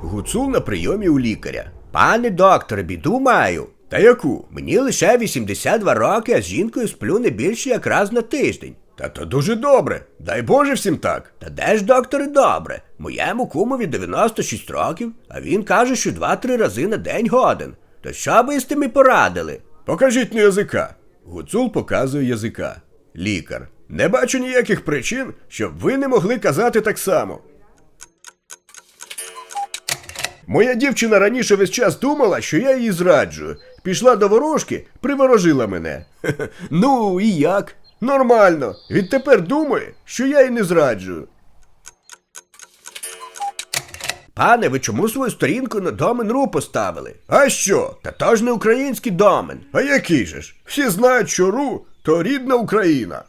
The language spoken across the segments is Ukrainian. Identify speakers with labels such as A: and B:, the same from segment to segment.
A: Гуцул на прийомі у лікаря. Пане докторе, біду маю. Та яку? Мені лише 82 роки, а з жінкою сплю не більше як раз на тиждень. Та то дуже добре. Дай Боже всім так. Та де ж, докторе, добре? Моєму кумові 96 років, а він каже, що 2-3 рази на день годен. То що ви з тим і порадили? Покажіть на язика. Гуцул показує язика. Лікар. Не бачу ніяких причин, щоб ви не могли казати так само. Моя дівчина раніше весь час думала, що я її зраджую. Пішла до ворожки, приворожила мене. Ну, і як? Нормально. Відтепер думає, що я її не зраджую. Пане, ви чому свою сторінку на домен.ру поставили? А що? Та то ж не український домен. А який же ж? Всі знають, що ру – то рідна Україна.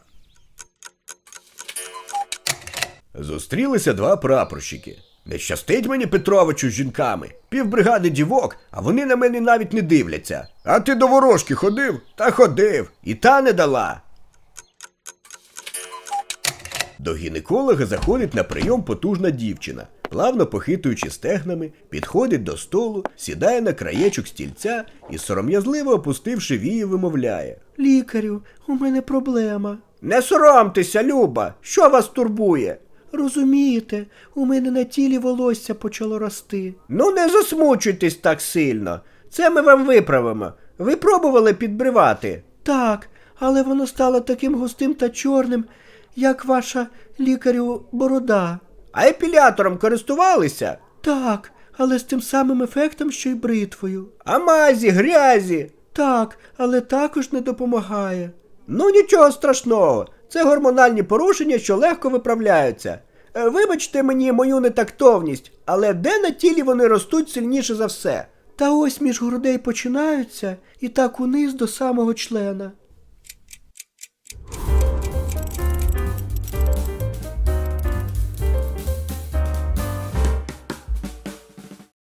A: Зустрілися два прапорщики. Не щастить мені Петровичу з жінками. Півбригади дівок, а вони на мене навіть не дивляться. А ти до ворожки ходив? Та ходив. І та не дала. До гінеколога заходить на прийом потужна дівчина. Плавно похитуючи стегнами, підходить до столу, сідає на краєчок стільця і, сором'язливо опустивши вії, вимовляє. Лікарю, у мене проблема. Не соромтеся, Люба, що вас турбує? Розумієте, у мене на тілі волосся почало рости. Ну не засмучуйтесь так сильно. Це ми вам виправимо. Ви пробували підбривати? Так, але воно стало таким густим та чорним, як ваша, лікарю, борода. А епілятором користувалися? Так, але з тим самим ефектом, що й бритвою. А мазі, грязі? Так, але також не допомагає. Ну нічого страшного, це гормональні порушення, що легко виправляються. Вибачте мені мою нетактовність, але де на тілі вони ростуть сильніше за все? Та ось між грудей починаються і так униз до самого члена.